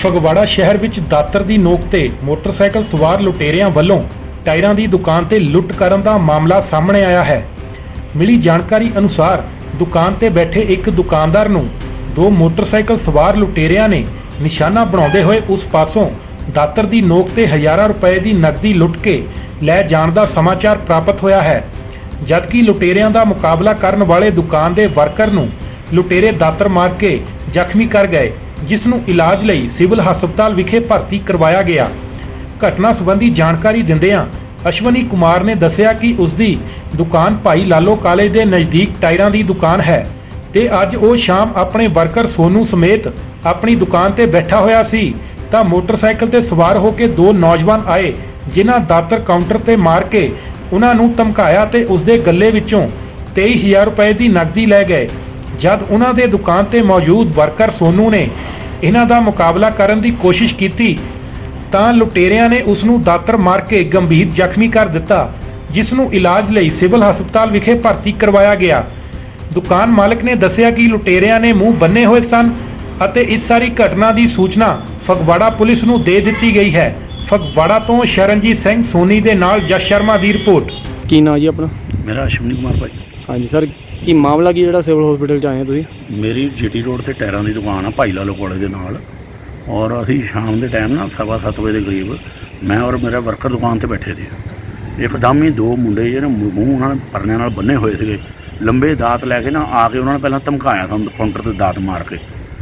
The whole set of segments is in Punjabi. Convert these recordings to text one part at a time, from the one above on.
ਫਗਵਾੜਾ ਸ਼ਹਿਰ ਵਿੱਚ ਦਾਤਰ ਦੀ ਨੋਕ ਤੇ ਮੋਟਰਸਾਈਕਲ ਸਵਾਰ ਲੁਟੇਰਿਆਂ ਵੱਲੋਂ ਟਾਇਰਾਂ ਦੀ ਦੁਕਾਨ ਤੇ ਲੁੱਟ ਕਰਨ ਦਾ ਮਾਮਲਾ ਸਾਹਮਣੇ ਆਇਆ ਹੈ। ਮਿਲੀ ਜਾਣਕਾਰੀ ਅਨੁਸਾਰ ਦੁਕਾਨ ਤੇ ਬੈਠੇ ਇੱਕ ਦੁਕਾਨਦਾਰ ਨੂੰ ਦੋ ਮੋਟਰਸਾਈਕਲ ਸਵਾਰ ਲੁਟੇਰਿਆਂ ਨੇ ਨਿਸ਼ਾਨਾ ਬਣਾਉਂਦੇ ਹੋਏ ਉਸ ਪਾਸੋਂ ਦਾਤਰ ਦੀ ਨੋਕ ਤੇ ਹਜ਼ਾਰਾਂ ਰੁਪਏ ਦੀ ਨਕਦੀ ਲੁੱਟ ਕੇ ਲੈ ਜਾਣ ਦਾ ਸਮਾਚਾਰ ਪ੍ਰਾਪਤ ਹੋਇਆ ਹੈ। ਜਦਕਿ ਲੁਟੇਰਿਆਂ ਦਾ ਮੁਕਾਬਲਾ ਕਰਨ ਵਾਲੇ ਦੁਕਾਨ ਦੇ ਵਰਕਰ ਨੂੰ ਲੁਟੇਰੇ ਦਾਤਰ ਮਾਰ ਕੇ ਜ਼ਖਮੀ ਕਰ ਗਏ, ਜਿਸ ਨੂੰ ਇਲਾਜ ਲਈ ਸਿਵਲ ਹਸਪਤਾਲ ਵਿਖੇ ਭਰਤੀ ਕਰਵਾਇਆ ਗਿਆ। ਘਟਨਾ ਸੰਬੰਧੀ ਜਾਣਕਾਰੀ ਦਿੰਦਿਆਂ ਅਸ਼ਵਨੀ ਕੁਮਾਰ ਨੇ ਦੱਸਿਆ ਕਿ ਉਸ ਦੀ ਦੁਕਾਨ ਭਾਈ ਲਾਲੋ ਕਾਲਜ ਦੇ ਨਜ਼ਦੀਕ ਟਾਇਰਾਂ ਦੀ ਦੁਕਾਨ ਹੈ ਤੇ ਅੱਜ ਉਹ ਸ਼ਾਮ ਆਪਣੇ ਵਰਕਰ ਸੋਨੂ ਸਮੇਤ ਆਪਣੀ ਦੁਕਾਨ ਤੇ ਬੈਠਾ ਹੋਇਆ ਸੀ ਤਾਂ ਮੋਟਰਸਾਈਕਲ ਤੇ ਸਵਾਰ ਹੋ ਕੇ ਦੋ ਨੌਜਵਾਨ ਆਏ, ਜਿਨ੍ਹਾਂ ਦਾਤਰ ਕਾਊਂਟਰ ਤੇ ਮਾਰ ਕੇ ਉਹਨਾਂ ਨੂੰ ਧਮਕਾਇਆ ਤੇ ਉਸ ਦੇ ਗੱਲੇ ਵਿੱਚੋਂ 23,000 ਰੁਪਏ ਦੀ ਨਕਦੀ ਲੈ ਗਏ। ਜਦ ਉਹਨਾਂ ਦੇ ਦੁਕਾਨ ਤੇ ਮੌਜੂਦ ਵਰਕਰ ਸੋਨੂ ਨੇ ਇਹਨਾਂ ਦਾ ਮੁਕਾਬਲਾ ਕਰਨ ਦੀ ਕੋਸ਼ਿਸ਼ ਕੀਤੀ ਤਾਂ ਲੁਟੇਰਿਆਂ ਨੇ ਉਸ ਨੂੰ ਦਾਤਰ ਮਾਰ ਕੇ ਗੰਭੀਰ ਜ਼ਖਮੀ ਕਰ ਦਿੱਤਾ, ਜਿਸ ਨੂੰ ਇਲਾਜ ਲਈ ਸਿਵਲ ਹਸਪਤਾਲ ਵਿਖੇ ਭਰਤੀ ਕਰਵਾਇਆ ਗਿਆ। ਦੁਕਾਨ ਮਾਲਕ ਨੇ ਦੱਸਿਆ ਕਿ ਲੁਟੇਰਿਆਂ ਨੇ ਮੂੰਹ ਬੰਨੇ ਹੋਏ ਸਨ ਅਤੇ ਇਸ ਸਾਰੀ ਘਟਨਾ ਦੀ ਸੂਚਨਾ ਫਗਵਾੜਾ ਪੁਲਿਸ ਨੂੰ ਦੇ ਦਿੱਤੀ ਗਈ ਹੈ। ਫਗਵਾੜਾ ਤੋਂ ਸ਼ਰਨਜੀਤ ਸਿੰਘ ਸੋਨੀ ਦੇ ਨਾਲ ਜਸ ਸ਼ਰਮਾ ਦੀ ਰਿਪੋਰਟ। ਕੀ ਨਾਂ ਜੀ ਆਪਣਾ? ਮੇਰਾ ਅਸ਼ਵਨੀ ਕੁਮਾਰ ਭਾਈ। ਹਾਂਜੀ ਸਰ, ਕੀ ਮਾਮਲਾ ਕੀ ਜਿਹੜਾ ਸਿਵਲ ਹਸਪੀਟਲ 'ਚ ਆਏ ਹੋ ਤੁਸੀਂ? ਮੇਰੀ ਜੀਟੀ ਰੋਡ ਤੇ ਟਾਇਰਾਂ ਦੀ ਦੁਕਾਨ ਆ ਭਾਈ ਲਾਲੋ ਕਾਲਜ ਦੇ ਨਾਲ, ਔਰ ਅਸੀਂ ਸ਼ਾਮ ਦੇ ਟਾਈਮ ਨਾ 7:15 ਵਜੇ ਦੇ ਕਰੀਬ ਮੈਂ ਔਰ ਮੇਰਾ ਵਰਕਰ ਦੁਕਾਨ ਤੇ ਬੈਠੇ ਸੀ। ਇੱਕਦਮ ਹੀ ਦੋ ਮੁੰਡੇ ਜਿਹੜੇ ਮੂੰਹ ਉਹਨਾਂ ਨੇ ਪਰਨਿਆਂ ਨਾਲ ਬੰਨੇ ਹੋਏ ਸੀਗੇ, ਲੰਬੇ ਦਾਤ ਲੈ ਕੇ ਨਾ ਆ ਕੇ ਉਹਨਾਂ ਨੇ ਪਹਿਲਾਂ ਧਮਕਾਇਆ ਸਾਨੂੰ ਕਾਊਂਟਰ ਤੇ ਦਾਤ ਮਾਰ ਕੇ।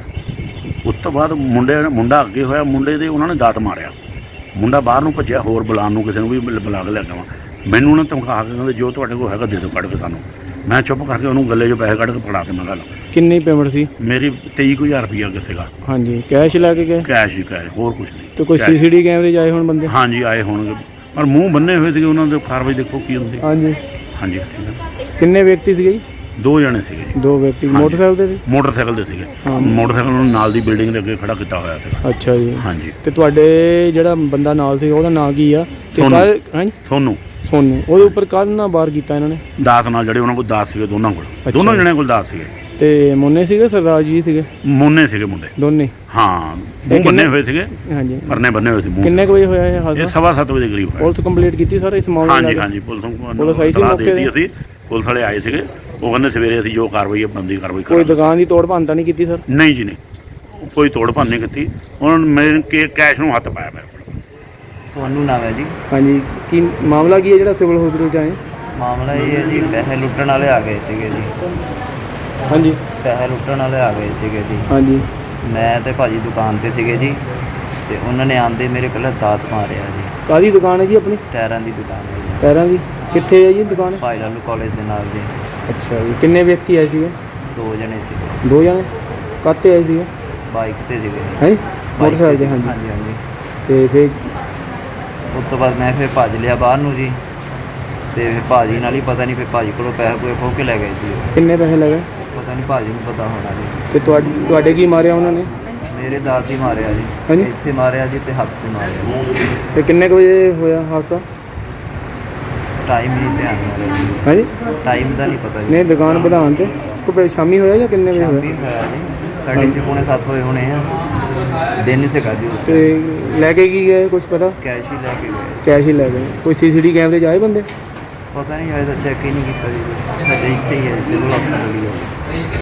ਉਸ ਤੋਂ ਬਾਅਦ ਮੁੰਡਾ ਅੱਗੇ ਹੋਇਆ, ਮੁੰਡੇ ਦੇ ਉਹਨਾਂ ਨੇ ਦਾਤ ਮਾਰਿਆ, ਮੁੰਡਾ ਬਾਹਰ ਨੂੰ ਭੱਜਿਆ, ਹੋਰ ਬੁਲਾਉਣ ਨੂੰ ਕਿਸੇ ਨੂੰ ਵੀ ਬੁਲਾ ਕੇ ਲੈ ਕੇ ਆਵਾਂ। ਮੈਨੂੰ ਉਹਨਾਂ ਨੇ ਧਮਕਾ ਕੇ ਕਹਿੰਦੇ ਜੋ ਤੁਹਾਡੇ ਕੋਲ ਹੈਗਾ ਦੇ ਦਿਓ ਕੱਢ ਕੇ ਸਾਨੂੰ। ਮੈਂ ਚੁੱਪ ਕਰਕੇ ਉਹਨੂੰ ਗੱਲੇ 'ਚੋਂ ਪੈਸੇ ਕੱਢ ਕੇ ਫੜਾ ਕੇ ਮੈਂ ਗੱਲ। ਕਿੰਨੀ ਪੇਮੈਂਟ ਸੀ? ਮੇਰੀ 23,000 ਰੁਪਈਆ ਅੱਗੇ ਸੀਗਾ। ਹਾਂਜੀ, ਕੈਸ਼ ਲੈ ਕੇ ਗਏ? ਕੈਸ਼ ਹੀ ਕੈਸ਼, ਹੋਰ ਕੁਝ ਨਹੀਂ। ਤੇ ਕੋਈ ਸੀਸੀਟੀ ਕੈਮਰੇ 'ਚ ਆਏ ਹੁਣ ਬੰਦੇ? ਹਾਂਜੀ ਆਏ ਹੋਣਗੇ, ਪਰ ਮੂੰਹ ਬੰਨੇ ਹੋਏ ਸੀਗੇ ਉਹਨਾਂ ਦੇ। ਕਾਰਵਾਈ ਦੇਖੋ ਕੀ ਹੁੰਦੀ। ਹਾਂਜੀ ਹਾਂਜੀ ਠੀਕ ਹੈ। ਕਿੰਨੇ ਵਿਅਕਤੀ ਸੀਗੇ ਜੀ? ਦੋ ਜਣੇ ਸੀਗੇ ਜੀ। ਦੋ ਵਿਅਕਤੀ ਮੋਟਰਸਾਈਕਲ ਤੇ ਸੀ? ਮੋਟਰਸਾਈਕਲ ਦੇ ਸੀਗੇ। ਹਾਂ। ਮੋਟਰਸਾਈਕਲ ਨੂੰ ਨਾਲ ਦੀ ਬਿਲਡਿੰਗ ਦੇ ਅੱਗੇ ਖੜਾ ਕੀਤਾ ਹੋਇਆ ਸੀਗਾ। ਅੱਛਾ ਜੀ। ਹਾਂਜੀ। ਤੇ ਤੁਹਾਡੇ ਜਿਹੜਾ ਬੰਦਾ ਨਾਲ ਸੀ ਉਹਦਾ ਨਾਂ ਕੀ ਆ? ਸੋਨੂੰ। ਹਾਂਜੀ ਸੋਨੂੰ। ਸੋਨੂੰ। ਉਹਦੇ ਉੱਪਰ ਕਾਹਦੇ ਨਾਲ ਵਾਰ ਕੀਤਾ ਇਹਨਾਂ ਨੇ? ਦਾਤ ਨਾਲ, ਜਿਹੜੇ ਉਹਨਾਂ ਕੋਲ ਦਾਤ ਸੀਗੇ ਦੋਨਾਂ ਕੋਲ, ਦੋਨੋਂ ਜਣਿਆਂ ਕੋਲ ਦਾਤ ਸੀਗੇ। ਤੇ ਮੋਨੇ ਸੀਗੇ ਸਰਦਾਰ ਜੀ ਸੀਗੇ? ਮੋਨੇ ਸੀਗੇ ਮੁੰਡੇ ਦੋਨੇ? ਹਾਂ, ਮੂੰਹ ਬੰਨੇ ਹੋਏ ਸੀਗੇ। ਹਾਂਜੀ, ਪਰਨੇ ਬੰਨੇ ਹੋਏ ਸੀ ਮੂੰਹ। ਕਿੰਨੇ ਕੁ ਵਜੇ ਹੋਇਆ ਇਹ ਇਹ ਹਾਦਸਾ? 7:15 ਵਜੇ ਦੇ ਕਰੀਬ ਹੋਇਆ। ਪੁਲਿਸ ਕੰਪਲੀਟ ਕੀਤੀ ਸਰ ਇਸ ਮਾਮਲੇ ਹਾਂਜੀ ਨਾਲ? ਹਾਂਜੀ, ਪੁਲਿਸ ਪੁਲਿਸ ਆਈ ਸੀ ਸਲਾਹ ਮੌਕੇ ਦਿੱਤੀ ਤੇ? ਅਸੀਂ, ਪੁਲਿਸ ਵਾਲੇ ਆਏ ਸੀਗੇ। ਉਹ ਕਹਿੰਦੇ ਸਵੇਰੇ ਅਸੀਂ ਜੋ ਕਾਰਵਾਈ ਹੈ ਬੰਦੀ ਕਾਰਵਾਈ ਕੋਈ ਕਰਾਂਗੇ। ਦੁਕਾਨ ਦੀ ਤੋੜ ਭੰਨ ਤਾਂ ਨਹੀਂ ਕੀਤੀ ਸਰ? ਨਹੀਂ ਜੀ, ਨਹੀਂ, ਕੋਈ ਤੋੜ ਭੰਨ ਨਹੀਂ ਕੀਤੀ। ਉਹਨਾਂ ਨੇ ਮੇਰੇ ਕੈਸ਼ ਨੂੰ ਹੱਥ ਪਾਇਆ ਮੇਰੇ ਕੋਲ। ਸੋਨੂੰ ਨਾਮ ਹੈ ਜੀ। ਹਾਂਜੀ, ਕੀ ਮਾਮਲਾ ਕੀ ਹੈ ਜਿਹੜਾ ਸਿਵਲ ਹਸਪੀਟਲ 'ਚ ਆਏ? ਮਾਮਲਾ ਇਹ ਹੈ ਜੀ, ਪੈਸੇ ਲੁੱਟਣ ਵਾਲੇ ਆ ਗਏ ਸੀਗੇ ਜੀ। ਹਾਂਜੀ ਪੈਸੇ ਲੁੱਟਣ ਵਾਲੇ ਆ ਗਏ ਸੀਗੇ ਜੀ। ਹਾਂਜੀ। ਮੈਂ ਤੇ ਭਾਜੀ ਦੁਕਾਨ ਤੇ ਸੀਗੇ ਜੀ, ਤੇ ਉਹਨਾਂ ਨੇ ਆਂਦੇ ਮੇਰੇ ਪਹਿਲਾਂ ਦਾਤ ਮਾਰਿਆ ਜੀ। ਕਾਹਦੀ ਦੁਕਾਨ ਹੈ ਜੀ ਆਪਣੀ? ਟਾਇਰਾਂ ਦੀ ਦੁਕਾਨ ਹੈ ਜੀ, ਟਾਇਰਾਂ ਦੀ। ਕਿੱਥੇ ਹੈ ਜੀ ਦੁਕਾਨ? ਭਾਈ ਲਾਲੂ ਕਾਲਜ ਦੇ ਨਾਲ ਜੀ। ਅੱਛਾ ਜੀ। ਕਿੰਨੇ ਵਿਅਕਤੀ ਆਏ ਸੀਗੇ? ਦੋ ਜਣੇ ਸੀਗੇ। ਦੋ ਜਣੇ? ਕਾਹਤੇ ਆਏ ਸੀਗੇ? ਬਾਈਕ ਤੇ ਸੀਗੇ ਜੀ। ਹੈ ਬਾਈਕ ਮੋਟਰਸਾਈਕਲ ਤੇ? ਤੇ ਹਾਂਜੀ। ਹਾਂਜੀ ਹਾਂਜੀ। ਤੇ ਫਿਰ ਉਸ ਤੋਂ ਬਾਅਦ ਮੈਂ ਫਿਰ ਭੱਜ ਲਿਆ ਬਾਹਰ ਨੂੰ ਜੀ, ਤੇ ਫਿਰ ਭਾਜੀ ਨਾਲ ਹੀ ਪਤਾ ਨਹੀਂ, ਫਿਰ ਭਾਜੀ ਕੋਲੋਂ ਪੈਸੇ ਪੂਏ ਖੋਹ ਕੇ ਲੈ ਗਏ ਜੀ। ਕਿੰਨੇ ਪੈਸੇ ਲੱਗੇ? ਪਤਾ ਨਹੀਂ, ਭਾਜੀ ਨੂੰ ਪਤਾ ਹੋਣਾ ਜੀ। ਤੇ ਤੁਹਾਡੇ ਕੀ ਮਾਰਿਆ ਉਹਨਾਂ ਨੇ? ਮੇਰੇ ਦਾਤ ਹੀ ਮਾਰਿਆ ਜੀ। ਹਾਂਜੀ। ਇੱਥੇ ਮਾਰਿਆ ਜੀ ਤੇ ਹੱਥ ਤੇ ਮਾਰਿਆ ਜੀ। ਤੇ ਕਿੰਨੇ ਕੁ ਵਜੇ ਹੋਇਆ ਹਾਦਸਾ? ਟਾਈਮ ਨਹੀਂ ਧਿਆਨ ਨਾਲ ਜੀ। ਹਾਂਜੀ। ਟਾਈਮ ਦਾ ਨਹੀਂ ਪਤਾ ਜੀ। ਨਹੀਂ, ਦੁਕਾਨ ਵਧਾਉਣ ਤੇ ਕੋਈ ਸ਼ਾਮੀ ਹੋਇਆ ਜਾਂ ਕਿੰਨੇ ਵਜੇ ਸ਼ਾਮੀ ਹੋਇਆ? ਹੋਇਆ ਜੀ, 6:30 ਹੋਏ ਹੋਣੇ ਆ। ਦਿਨ ਸੀਗਾ ਜੀ ਉਸ ਤੇ ਟਾਈਮ। ਲੈ ਕੇ ਕੀ ਗਏ ਕੁਝ ਪਤਾ? ਕੈਸ਼ ਹੀ ਲੈ ਕੇ ਗਏ। ਕੈਸ਼ ਹੀ ਲੈ ਗਏ। ਕੋਈ ਸੀਸੀਟੀ ਕੈਮਰੇ 'ਚ ਆਏ ਬੰਦੇ? ਪਤਾ ਨਹੀਂ, ਅਜੇ ਤਾਂ ਚੈੱਕ ਹੀ ਨਹੀਂ ਕੀਤਾ ਜੀ। ਹਜੇ ਇੱਥੇ ਹੀ ਹੈ, ਸਿਵਲ ਹਸਪਤਾਲ ਹੀ ਹੈ।